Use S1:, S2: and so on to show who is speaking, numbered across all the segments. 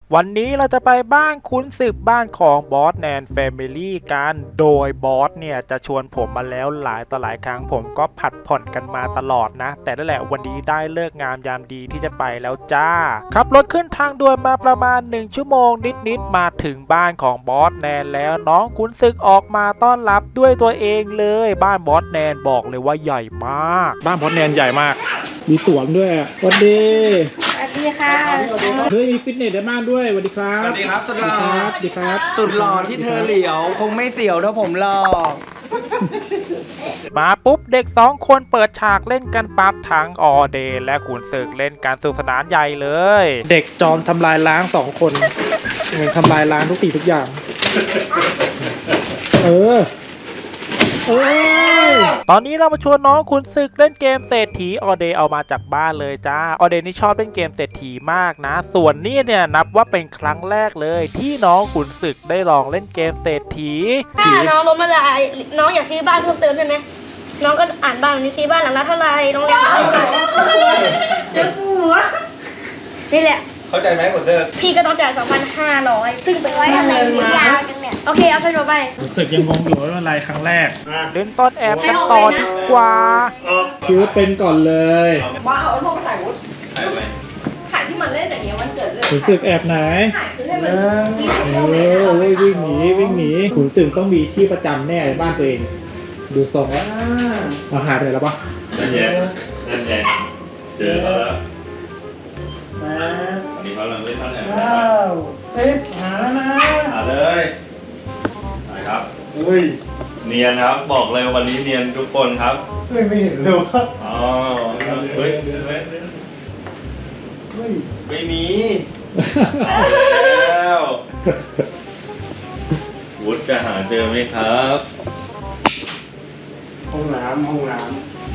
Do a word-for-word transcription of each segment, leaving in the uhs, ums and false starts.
S1: วันนี้เราจะไปบ้านขุนศึกบ้านของบอสแนนแฟมิลี่กันโดยบอสเนี่ยจะชวนผมมาแล้วหลายต่อหลายครั้งผมก็ผัดผ่อนกันมาตลอดนะแต่นั่นแหละวันนี้ได้เลิกงามยามดีที่จะไปแล้วจ้าขับรถขึ้นทางด่วนมาประมาณหนึ่งชั่วโมงนิดๆมาถึงบ้านของบอสแนนแล้วน้องขุนศึกออกมาต้อนรับด้วยตัวเองเลยบ้านบอสแนนบอกเลยว่าใหญ่มากบ้านบอสแนนใหญ่มากมีสวนด้วยสวัสดี
S2: สวัสดีค่ะ
S1: เฮ้ยมีฟิตเนสในบ้านด้วยสวัสดีครับ
S3: สวัสดีครับสุดหล่อ
S1: สวัสดีครับ
S3: สุดหล่อที่เธอเหลียวคงไม่เสียวเท่าผมหรอก
S1: มาปุ๊บเด็กสองคนเปิดฉากเล่นกันปั๊บทั้งออเดย์และขุนศึกเล่นการสนุกสนานใหญ่เลยเด็กจอมทำลายล้างสองคนเหมือนทำลายล้างทุกสิ่งทุกอย่างเออเออตอนนี้เรามาชวนน้องขุนศึกเล่นเกมเศรษฐีออเดย์เอามาจากบ้านเลยจ้าออเดย์นี่ชอบเล่นเกมเศรษฐีมากนะส่วนนี้เนี่ยนับว่าเป็นครั้งแรกเลยที่น้องขุนศึกได้ลองเล่นเกมเศรษฐี
S2: ถ้าน้องล้มละลายน้องอยากซื้อบ้านเพิ่มเติมใช่ไหมน้องก็อ่านบ้านนี้ซื้อบ้านหลังละเท่าไรน้องเรียนเท่าไหร่เจ้าหัวนี่แหละ
S3: เข้าใจไหมผมเจอ
S2: พี่ก็ต้องจ่าย สองพันห้าร้อย ซึ่งเป็นไว้อะไรยาวจังเนี่ยโอเคเอาฉันไป
S1: รู้สึกยังงงอยู่ว่าอะไรครั้งแรกเล่นซ่อนแอบกันต่อดีกว่าคิดว่าเป็นก่อนเลย
S4: ว่าเอาโทรถ่ายวุฒิถ่ายที่มันเล่นอย่างเงี้ยวันเกิดเลย
S1: รู้สึกแอบไหน
S4: ถ่ายคือให้มัน
S1: เออวิ่งหนีวิ่งหนีขุนศึกต้องมีที่ประจำแน่ในบ้านตัวเองดูทรงแล้วเราหายไปไหนแล้วปะ
S5: นั่นแย่นั่นแย่เจอแล้วมาวันนี้เขาเริ่มเล่นท่านไหนว้าว
S1: เอ๊ะหาแล้วนะ
S5: หาเลยไปครับอุ้ยเนียนครับบอกเลยวันนี้เนียนทุกคนครับ
S1: เฮ้ยไม่เห็นเลยว่า
S5: อ๋อเฮ้ยเฮ้ยไม่มีแล้ววุฒิจะหาเจอไหมครับ
S1: ห้องน้ำห้องน้ำ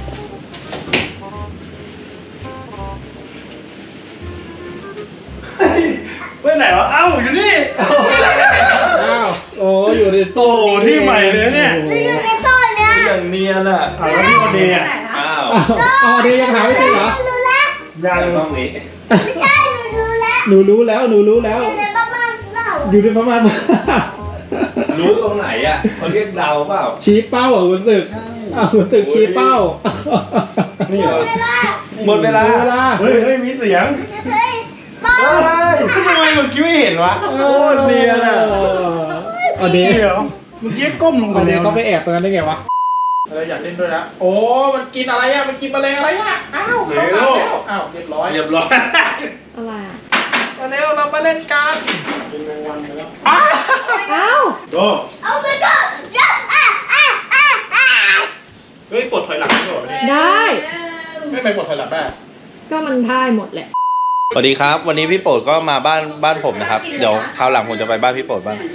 S5: ไปไหนวะเอ้าอยู่นี่
S1: อ้าวโอ้อยู่ในโซ่
S5: ที่ใหม่เลยเนี่ย
S2: อยู่ในโซ่เนี่ย
S5: อย่างเนียนอ่ะ
S1: อ้าวแล้วที่ออเดย์อ่ะ
S5: อ้าว
S1: ออเดย์ยังหาไม่เจอเหรอ
S5: ยังต้องนี้
S2: ใช่หนูรู้แล้ว
S1: หนูรู้แล้วหนูรู้แล้ว
S2: อยู่ในประมาณเปล่า
S1: อยู่ในประมาณ
S5: รู้ตรงไหนอ่ะเขาเรียกเดาเปล่า
S1: ชี้เป้าอ่ะคุณศึกอ้าวคุณศึกชี้เป้า
S5: นี่เหรอหมดเวลาเฮ้ยเฮ้ยมีเสียงเฮ้ยทำไมเมื่อกี้ไม่เห็นวะโอ้เนียนอ่ะ
S1: อเดย์
S5: เมื่อกี้ก้มลงไป
S1: อเดย์เขาไปแอบตรงนั้นได้ไงวะอะไรอยากเล่นด้วยนะโอ้มันกินอะไรอ่ะมันกินแมลงอะไรอ่ะอ้าวเข้ามาแล้วอ้าวเรียบร้อย
S5: เรียบร้อย
S2: อะไร
S1: มาเร็วเรามาเล่นกันเป็นแมงวันไปแล้ว
S2: อ้าว
S5: โต
S2: เอาไปก่อนย่าอ่ะอ่ะอ่ะอ่ะ
S1: เฮ้ยปลดถอยหลังได้หมด
S6: ได้
S1: ไม่ไม่ปลดถอยหลังได้
S6: ก็มันได้หมดแหละ
S5: สวัสดีครับวันนี้พี่โปรดก็มาบ้านบ้านผมนะครับเดี๋ยวคราวหลังผมจะไปบ้านพี่โปรดบ้าง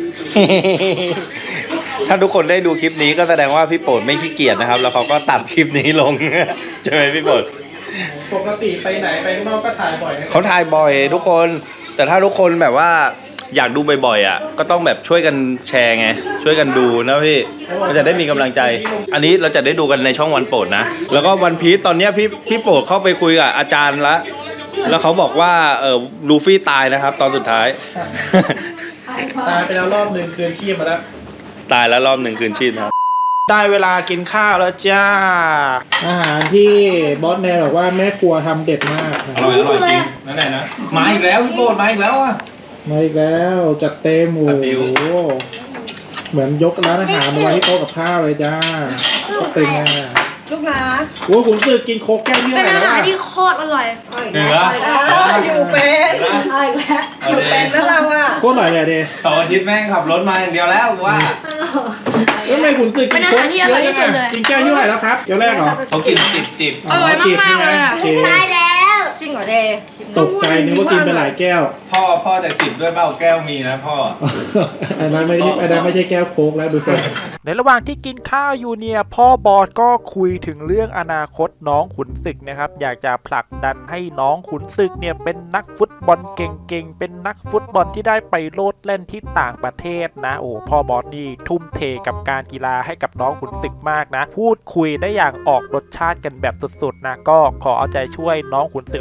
S5: ถ้าทุกคนได้ดูคลิปนี้ก็แสดงว่าพี่โปรดไม่ขี้เกียจนะครับแล้วเขาก็ตัดคลิปนี้ลง ใช่ไหมพี่โปรด
S1: ปกติไปไหนไปข้างนอกก็ถ่ายบ่อย
S5: เขาถ่ายบ่อยทุกคนแต่ถ้าทุกคนแบบว่าอยากดูบ่อยๆอ่ะก็ต้องแบบช่วยกันแชร์ไงช่วยกันดูนะพี่มันจะได้มีกำลังใจอันนี้เราจะได้ดูกันในช่องวันโปรดนะแล้วก็วันพีชตอนนี้พี่พี่โปรดเข้าไปคุยกับอาจารย์ละแล้วเขาบอกว่าเออลูฟี่ตายนะครับตอนสุดท้าย
S1: ตายไปแล้วรอบหนึ่งคืนชีพมาแล้ว
S5: ตายแล้วรอบหนึ่งคืนชีพครับ
S1: ได้เวลากินข้าวแล้วจ้าอาหารที่บอสแนนบอกว่าแม่ครัวทำเด็ดมาก
S5: อร่อยอร่อยจริงนั่นแหละนะมาอีกแล้วพี่โปรดมาอีกแล้วอ่ะ
S1: มาอีกแล้วจัดเต็มโอ้โหเหมือนยกร้านอาหารมาไว้ที่โต๊ะกับข้าวเลยจ้าตึงอ่ะ
S4: ลูกหลาน
S1: โอ้ขุนศึกกินโค้กแก้วเยอะเลยนะ
S2: เป็นอาหารที่โคตรอร่อย
S5: เหนือ
S4: อยู่เป็นอะไรอีกแล้วอยู่เป็นแล้วเราอ่ะ
S1: โคตรอร่อยเลยเด
S5: สองอาทิตย์แม่งขับรถมาอย่างเดียวแล้วว่า
S1: แล้วทำไมขุนศึกกินโค้กเยอะจังเลยกินแก้วเท่าไหร่แล้วครับเดี๋ยวแรกเหรอ
S5: เขากินจิบจิบ
S2: อร่อยมากเลยอ่ะตายแล้ว
S4: จริงเหรอเดย์
S1: ตกใจนึกว่ากินไปหลายแก้ว
S5: พ่อพ่อจะจิบด้วยเบ้าแก้วมีนะพ่อ
S1: อันนั้นไม่ได้อันนั้นไม่ใช่แก้วโค้กแล้วดูสิในระหว่างที่กินข้าวอยู่เนี่ยพ่อบอสก็คุยถึงเรื่องอนาคตน้องขุนศึกนะครับอยากจะผลักดันให้น้องขุนศึกเนี่ยเป็นนักฟุตบอลเก่งๆเป็นนักฟุตบอลที่ได้ไปโลดเล่นที่ต่างประเทศนะโอ้พ่อบอสนี่ทุ่มเทกับการกีฬาให้กับน้องขุนศึกมากนะพูดคุยได้อย่างออกรสชาติกันแบบสุดๆนะก็ขอเอาใจช่วยน้องขุนศึก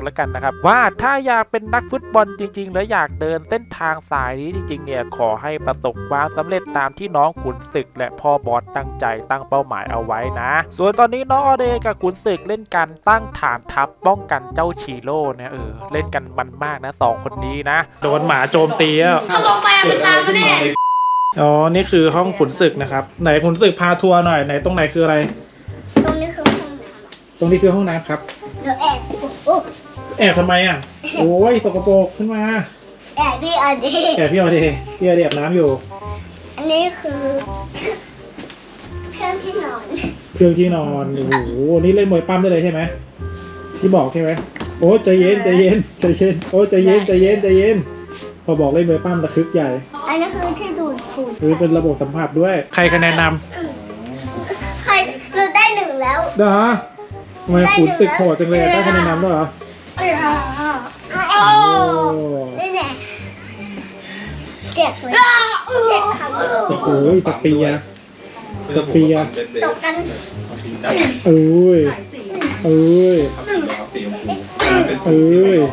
S1: แล้วกันนะครับว่าถ้าอยากเป็นนักฟุตบอลจริงๆและอยากเดินเส้นทางสายนี้จริงๆเนี่ยขอให้ประสบความสำเร็จตามที่น้องขุนศึกและพ่อบอสตั้งใจตั้งเป้าหมายเอาไว้นะส่วนตอนนี้น้องอเดกับขุนศึกเล่นกันตั้งฐานทัพป้องกันเจ้าชีโร่เนี่ยเออเล่นกันมันมากนะสองคนนี้นะโดนหมาโจมตีอ่ะ
S2: เขาลงไปมันตามมาแน่
S1: อ๋อนี่คือห้องขุนศึกนะครับไหนขุนศึกพาทัวร์หน่อยไหนตรงไหนคืออะไร
S2: ตรงนี้คือห้องน้
S1: ตรงนี้คือห้องน้ำครับ
S2: ำเดี๋ยวแอบโอ้
S1: แอบทำไมอ่ะโอ้ยสกปรกขึ้นมา
S2: แอบพี่อันนี้
S1: แอบพี่อเดพี่อเดอาบน้ำอยู่
S2: อันนี้คือเครื่องที่นอน
S1: เครื่องที่นอนโอ้โหนี่เล่นมวยปั้มได้เลยใช่ไหมที่บอกใช่ไหมโอ้ใจเย็นใจเย็นใจเย็นโอ้ใจเย็นใจเย็นใจเย็นพอบอกเล่นมวยปั้มระทึกใหญ่
S2: อันนี้คือที่ดูดฝุ่น
S1: หรือเป็นระบบสัมผัสด้วยใครคะแนนน
S2: ใครเราได้หนึ่งแล้ว
S1: ำเหรอทำไมขุนศึกโหดจังเลยได้คะแนนนำด้วยเหรอ
S2: โอ้นี่แน่เจ็บเลยเจ็บคำ
S1: โอ้โหสเปียร์สเปียร์
S2: ตกกัน
S1: เอ้ยเอ้ยเอ้ย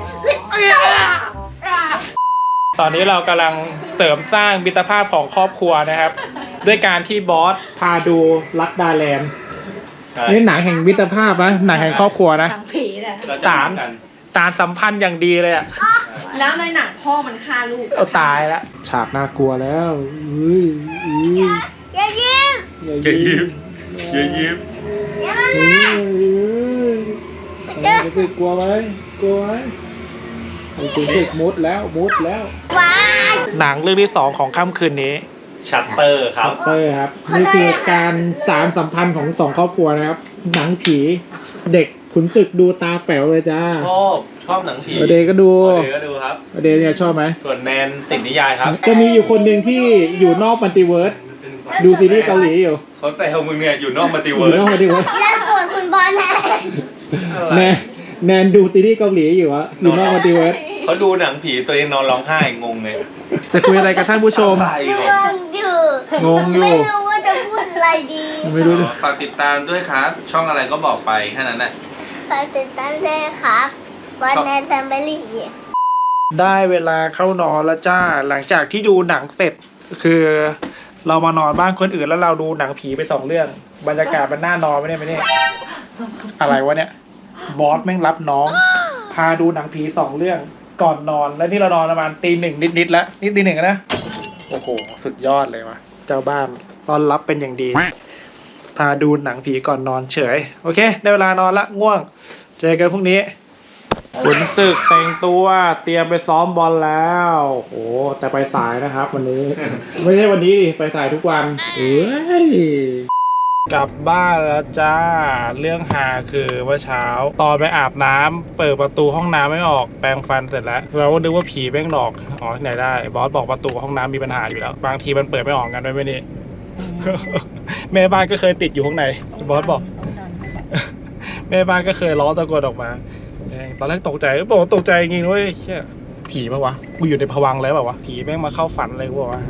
S1: ตอนนี้เรากำลังเสริมสร้างมิตรภาพของครอบครัวนะครับ ด้วยการที่บอสพาดูรักดาแลนด์นี่หนังแห่งมิตรภาพนะหนังแห่งครอบครัวนะ
S6: ทางผีเนี่ย
S1: สารสารสัมพันธ์อย่างดีเลยอ่ะ
S4: แล้วในหนังพ่อมันฆ่าลูก
S1: เอาตายแล้วฉากน่ากลัวแล้วอุ้ยอุ้ย
S2: อย่ายิ้ม
S1: อย่า
S5: อย่ายิ้
S1: ยิ้
S5: ม อย่ายิ้ม
S2: อย่ามา
S1: เอ้ยเอ้ยรู้สึกกลัวไหมกลัวไหมรู้สึกมุดแล้วมุดแล้ว
S2: ว้าย
S1: หนังเรื่องที่สองของค่ำคืนนี้
S5: ชัตเตอร์ครับ
S1: เตอร์ครับนี่คือการสารสัมพันธ์ของสองครอบครัวนะครับ หนังผีเด็กขุนศึกดูตาแป๋วเลยจ้า
S5: ชอบชอบหนังผี
S1: อเดย์ก็ดู
S5: อเดย์ก็ดูครับ
S1: อเดย์เนี่ยชอบไหม
S5: ส่วนแนนติดนิยายครับ
S1: จะมีอยู่คนหนึ่งที่อยู่นอกมัลติเวิร์สดูซีรีส์เกาหลีอยู่
S5: เขาแต่เอามึงเนี่ยอยู่นอกมัลติ
S1: อ
S5: เวิ
S1: ยู่
S5: ร์
S1: นอกมัลติเวิร์ส
S2: แล้วส่วนคุณบอลนะ
S1: แนนแนนดูซีรีส์เกาหลีอยู่อะอยู่นอกมัลติเวิร์ส
S5: เขาดูหนังผีตัวเองนอนร้องไห้งงเลย
S1: จะคุยอะไรกับท่านผู้ชม
S5: อะไร
S2: ง
S5: ของ
S2: งอยู่
S1: งงอยู่
S2: ไม่รู้ว่าจะพูดอะไรดี
S1: ไม่รู้
S5: ฝากติดตามด้วยครับ ช่องอะไรก็บอกไปแค่นั้นแหละ
S2: ฝากติดตามด้วยครับบอลแนนแซมเบอรี่
S1: ได้เวลาเข้านอนแล้วจ้าหลังจากที่ดูหนังเสร็จคือ เรามานอนบ้านคนอื่นแล้วเราดูหนังผีไปสองเรื่อง บรรยากาศมันน่านอนไหมเนี่ยไม่เนี่ยอะไรวะเนี่ยบอสแม่งรับน้อง พาดูหนังผีสองเรื่องก่อนนอนแล้วนี่เรานอนประมาณตีหนึ่งนิดๆแล้วนี่ตีหนึ่งนะโอ้โหสุดยอดเลยวะเจ้าบ้านต้อนรับเป็นอย่างดี พาดูหนังผีก่อนนอนเฉยโอเคได้เวลานอนละง่วงเจอกันพรุ่งนี้ขุนศึกแต่งตัวเตรียมไปซ้อมบอลแล้วโอ้แต่ไปสายนะครับ วันนี้ ไม่ใช่วันนี้ดิไปสายทุกวันเอ้ยกลับบ้านแล้วจ้าเรื่องหาคือเมื่อเช้าตอนไปอาบน้ำเปิดประตูห้องน้ำไม่ออกแปรงฟันเสร็จแล้วเราก็นึกว่าผีแม่งหลอกอ๋อที่ไหนได้บอสบอกประตูห้องน้ำมีปัญหาอยู่แล้วบางทีมันเปิดไม่ออกกันด้วยไหมนี่ แม่บ้านก็เคยติดอยู่ข้างในบอสบอก แม่บ้านก็เคยร้องตะโกนออกมาตอนแรกตกใจบอกตกใจจริงๆเว้ยเชี่ยผีปะวะกูอยู่ในภวังค์แล้วเปล่าวะผีแม่งมาเข้าฝันอะไรกูบอกว่า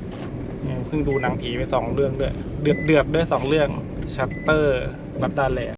S1: เพิ่งดูหนังผีไปสองเรื่องด้วยเดือดเดือดด้วยสองเรื่องชัตเตอร์รับดาแล